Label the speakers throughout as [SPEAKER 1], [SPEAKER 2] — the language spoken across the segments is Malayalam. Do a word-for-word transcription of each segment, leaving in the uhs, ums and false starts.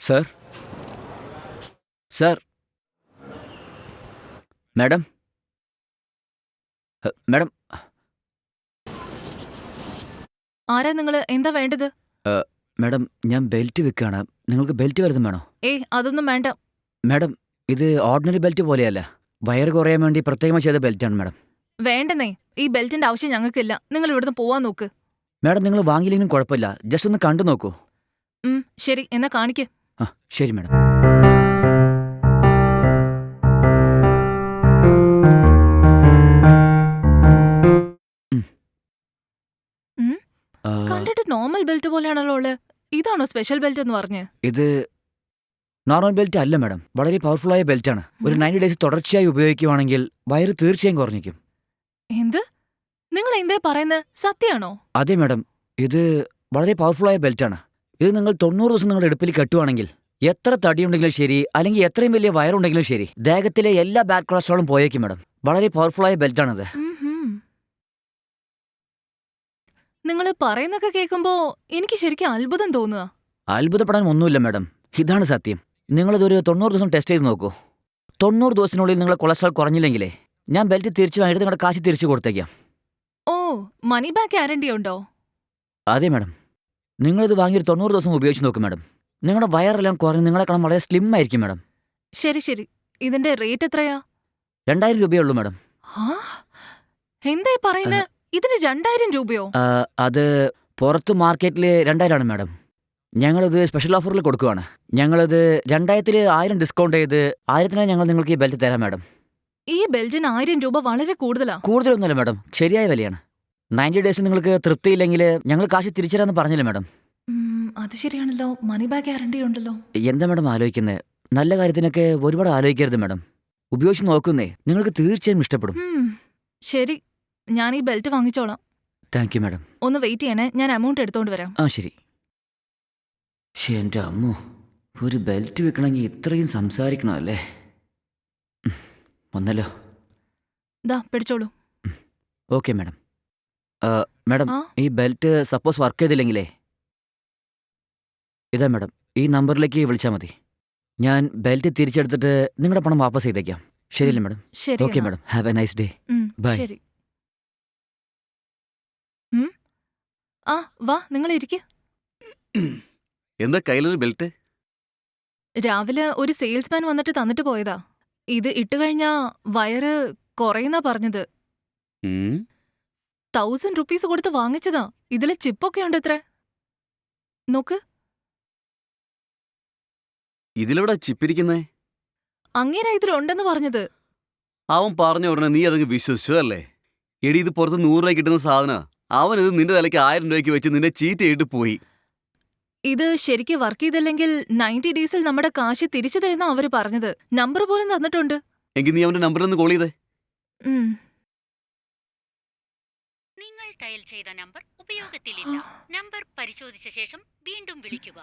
[SPEAKER 1] സർ സർ മാഡം ഹ, മാഡം
[SPEAKER 2] ആരാ നിങ്ങള്? എന്താ വേണ്ടത്?
[SPEAKER 1] ഏ, മാഡം ഞാൻ ബെൽറ്റ് വെക്കുകയാണ്. നിങ്ങൾക്ക് ബെൽറ്റ് വല്ലതും വേണോ?
[SPEAKER 2] ഏയ് അതൊന്നും വേണ്ട.
[SPEAKER 1] മാഡം ഇത് ഓർഡിനറി ബെൽറ്റ് പോലെയല്ല, വയറ് കുറയാൻ വേണ്ടി പ്രത്യേകമായി ചെയ്ത ബെൽറ്റാണ് മാഡം.
[SPEAKER 2] വേണ്ടെന്നേ, ഈ ബെൽറ്റിന്റെ ആവശ്യം ഞങ്ങൾക്കില്ല. നിങ്ങൾ ഇവിടുന്ന് പോവാൻ നോക്ക്.
[SPEAKER 1] മാഡം നിങ്ങൾ വാങ്ങിയില്ലെങ്കിലും കുഴപ്പമില്ല, ജസ്റ്റ് ഒന്ന് കണ്ടു നോക്കൂ.
[SPEAKER 2] ഉം ശരി, എന്നാ കാണിക്ക്.
[SPEAKER 1] ആ ശരി മാഡം. ഉം.
[SPEAKER 2] ഉം,
[SPEAKER 1] ആ,
[SPEAKER 2] കണ്ടിട്ട് നോർമൽ ബെൽറ്റ് പോലെയാണല്ലോ ഉള്ളത്. ഇതാണോ സ്പെഷ്യൽ ബെൽറ്റ് എന്ന് പറഞ്ഞ്?
[SPEAKER 1] ഇത് നോർമൽ ബെൽറ്റ് അല്ല മാഡം, വളരെ പവർഫുള്ളായ ബെൽറ്റാണ്. ഒരു
[SPEAKER 2] ഉം,
[SPEAKER 1] നയൻറ്റി ഡേയ്സ് തുടർച്ചയായി ഉപയോഗിക്കുകയാണെങ്കിൽ വയറ് തീർച്ചയായും കുറഞ്ഞിരിക്കും.
[SPEAKER 2] എന്ത്? നിങ്ങൾ എന്തേ പറയുന്നത്? സത്യാണോ?
[SPEAKER 1] അതെ മാഡം, ഇത് വളരെ പവർഫുള്ളായ ബെൽറ്റാണ്. ഇത് നിങ്ങൾ തൊണ്ണൂറ് ദിവസം നിങ്ങളുടെ ഇടുപ്പിൽ കെട്ടുവാണെങ്കിൽ എത്ര തടിയുണ്ടെങ്കിലും ശരി, അല്ലെങ്കിൽ എത്രയും വലിയ വയറുണ്ടെങ്കിലും ശരി, ദേഹത്തിലെ എല്ലാ ബാഡ് കൊളസ്ട്രോളും പോയേക്കും മാഡം. വളരെ പവർഫുള്ളായ ബെൽറ്റാണിത്.
[SPEAKER 2] നിങ്ങൾ പറയുന്നൊക്കെ കേൾക്കുമ്പോ എനിക്ക് ശരിക്കും അത്ഭുതം തോന്നുക.
[SPEAKER 1] അത്ഭുതപ്പെടാൻ ഒന്നുമില്ല മാഡം, ഇതാണ് സത്യം. നിങ്ങളിതൊരു തൊണ്ണൂറ് ദിവസം ടെസ്റ്റ് ചെയ്ത് നോക്കൂ. തൊണ്ണൂറ് ദിവസത്തിനുള്ളിൽ നിങ്ങളെ കൊളസ്ട്രോൾ കുറഞ്ഞില്ലെങ്കിലേ ഞാൻ ബെൽറ്റ് തിരിച്ചു വാങ്ങിയിട്ട് നിങ്ങളുടെ കാശ് തിരിച്ചു കൊടുത്തേക്കാം.
[SPEAKER 2] ഓ, മണി ബാക്ക് ഗ്യാരണ്ടി ഉണ്ടോ?
[SPEAKER 1] അതെ മാഡം, നിങ്ങളിത് വാങ്ങിയൊരു തൊണ്ണൂറ് ദിവസം ഉപയോഗിച്ച് നോക്കും മാഡം. നിങ്ങളുടെ വയറെല്ലാം കുറഞ്ഞ് നിങ്ങളെ കാണാൻ വളരെ സ്ലിം ആയിരിക്കും മാഡം.
[SPEAKER 2] ശരി ശരി, ഇതിന്റെ റേറ്റ് എത്രയാ?
[SPEAKER 1] രണ്ടായിരം രൂപയേ ഉള്ളൂ മാഡം.
[SPEAKER 2] ആ, എന്തേ പറയുന്നത്? ഇതിന് രണ്ടായിരം രൂപയോ?
[SPEAKER 1] ആ, അത് പുറത്ത് മാർക്കറ്റിൽ രണ്ടായിരമാണ് മാഡം. ഞങ്ങളിത് സ്പെഷ്യൽ ഓഫറിൽ കൊടുക്കുവാണ്. ഞങ്ങളിത് രണ്ടായിരത്തിൽ ആയിരം ഡിസ്കൗണ്ട് ചെയ്ത് ആയിരത്തിനായി ഞങ്ങൾ നിങ്ങൾക്ക് ഈ ബെൽറ്റ് തരാം മാഡം.
[SPEAKER 2] ഈ ബെൽറ്റിന് ആയിരം രൂപ വളരെ കൂടുതലാ.
[SPEAKER 1] കൂടുതലൊന്നുമല്ല മാഡം, ശരിയായ വിലയാണ്. നയൻറ്റി ഡേയ്സ് നിങ്ങൾക്ക് തൃപ്തിയില്ലെങ്കിൽ ഞങ്ങൾ കാശ് തിരിച്ചു തരാമെന്ന് പറഞ്ഞില്ല മാഡം.
[SPEAKER 2] ഉം, അത് ശരിയാണല്ലോ, മണി ബാക്ക് ഗ്യാരണ്ടി ഉണ്ടല്ലോ.
[SPEAKER 1] എന്താ മാഡം ആലോചിക്കുന്നത്? നല്ല കാര്യത്തിനൊക്കെ ഒരുപാട് ആലോചിക്കരുത് മാഡം. ഉപയോഗിച്ച് നോക്കുന്നേ, നിങ്ങൾക്ക് തീർച്ചയായും ഇഷ്ടപ്പെടും.
[SPEAKER 2] ഉം, ശരി, ഞാൻ ഈ ബെൽറ്റ് വാങ്ങിച്ചോളാം.
[SPEAKER 1] Thank you madam.
[SPEAKER 2] ഒന്ന് വെയിറ്റ് ചെയ്യണേ, ഞാൻ എമൗണ്ട് എടുത്തോണ്ട് വരാം.
[SPEAKER 1] ആ ശരി. പക്ഷേ എൻ്റെ അമ്മോ, ഒരു ബെൽറ്റ് വെക്കണമെങ്കിൽ ഇത്രയും സംസാരിക്കണോ അല്ലേ? ഉം, വന്നല്ലോ.
[SPEAKER 2] ദാ പിടിച്ചോളൂ.
[SPEAKER 1] Okay madam. ആ, മാഡം
[SPEAKER 2] ആ,
[SPEAKER 1] ഈ ബെൽറ്റ് സപ്പോസ് വർക്ക് ചെയ്തില്ലെങ്കിലേ ഇതാ മാഡം, ഈ നമ്പറിലേക്ക് വിളിച്ചാൽ മതി. ഞാൻ ബെൽറ്റ് തിരിച്ചെടുത്തിട്ട് നിങ്ങളുടെ പണം വാപ്പസ് ചെയ്തേക്കാം.
[SPEAKER 2] ഉം,
[SPEAKER 1] ശരിയല്ലേ മാഡം?
[SPEAKER 2] ശരി
[SPEAKER 1] ഓക്കെ
[SPEAKER 2] എന്നാ.
[SPEAKER 1] Madam, have a nice day.
[SPEAKER 2] ഉം,
[SPEAKER 1] ബൈ.
[SPEAKER 2] ശരി. ഉം, ആ, വാ, നിങ്ങൾ ഇരിക്ക്.
[SPEAKER 3] എന്താ കയ്യിലൊരു ബെൽറ്റ്?
[SPEAKER 2] രാവിലെ ഒരു സെയിൽസ്മാൻ വന്നിട്ട് തന്നിട്ട് പോയതാ. ഇത് ഇട്ടുകഴിഞ്ഞാ വയറ് കുറയുന്നാ പറഞ്ഞത്.
[SPEAKER 3] ഉം.
[SPEAKER 2] തൗസൻഡ് റുപ്പീസ് കൊടുത്ത് വാങ്ങിച്ചതാ. ഇതില് ചിപ്പൊക്കെ ഉണ്ട് ഇത്ര. നോക്ക്.
[SPEAKER 3] ഇതിലെവിടെ ചിപ്പിരിക്കുന്നേ?
[SPEAKER 2] അങ്ങേരാ ഇതിലുണ്ടെന്ന് പറഞ്ഞത്.
[SPEAKER 3] അവൻ പറഞ്ഞ ഉടനെ നീ അതങ്ങ് വിശ്വസിച്ചു അല്ലേ? എടി, ഇത് പുറത്ത് നൂറ് രൂപ കിട്ടുന്ന സാധന. അവൻ ഇത് നിന്റെ തലയ്ക്ക് ആയിരം രൂപയ്ക്ക് വെച്ച് നിന്നെ ചീറ്റ് ചെയ്തിട്ട് പോയി.
[SPEAKER 2] ഇത് ശരിക്ക് വർക്ക് ചെയ്തില്ലെങ്കിൽ നയൻറ്റി ഡേയ്സിൽ നമ്മുടെ കാശ് തിരിച്ചു തരുന്ന അവര് പറഞ്ഞത്. നമ്പർ പോലും തന്നിട്ടുണ്ട്.
[SPEAKER 3] എങ്കിൽ നീ അവന്റെ നമ്പറിൽ നിന്ന് കോൾ ചെയ്തേ.
[SPEAKER 2] ഉം.
[SPEAKER 4] നിങ്ങൾ ഡയൽ ചെയ്ത നമ്പർ ഉപയോഗത്തിലില്ല. നമ്പർ പരിശോധിച്ച ശേഷം വീണ്ടും വിളിക്കുക.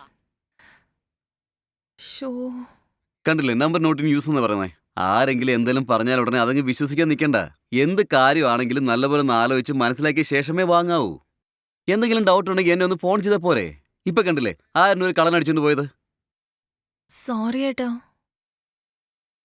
[SPEAKER 2] ശോ.
[SPEAKER 3] കണ്ടില്ലേ, നമ്പർ നോട്ട് ഇൻ യൂസ് എന്ന് പറയുന്നേ. ആരെങ്കിലും എന്തെങ്കിലും പറഞ്ഞാൽ ഉടനെ അതങ്ങ് വിശ്വസിക്കാൻ നിൽക്കണ്ട. എന്ത് കാര്യമാണെങ്കിലും നല്ലപോലെ ഒന്ന് ആലോചിച്ച് മനസ്സിലാക്കിയ ശേഷമേ വാങ്ങാവൂ. എന്തെങ്കിലും ഡൗട്ട് ഉണ്ടെങ്കിൽ എന്നെ ഒന്ന് ഫോൺ ചെയ്താൽ പോരെ? ഇപ്പൊ കണ്ടില്ലേ ആയിരുന്നു ഒരു കളൻ അടിച്ചുകൊണ്ട് പോയത്.
[SPEAKER 2] സോറി ഏട്ടാ.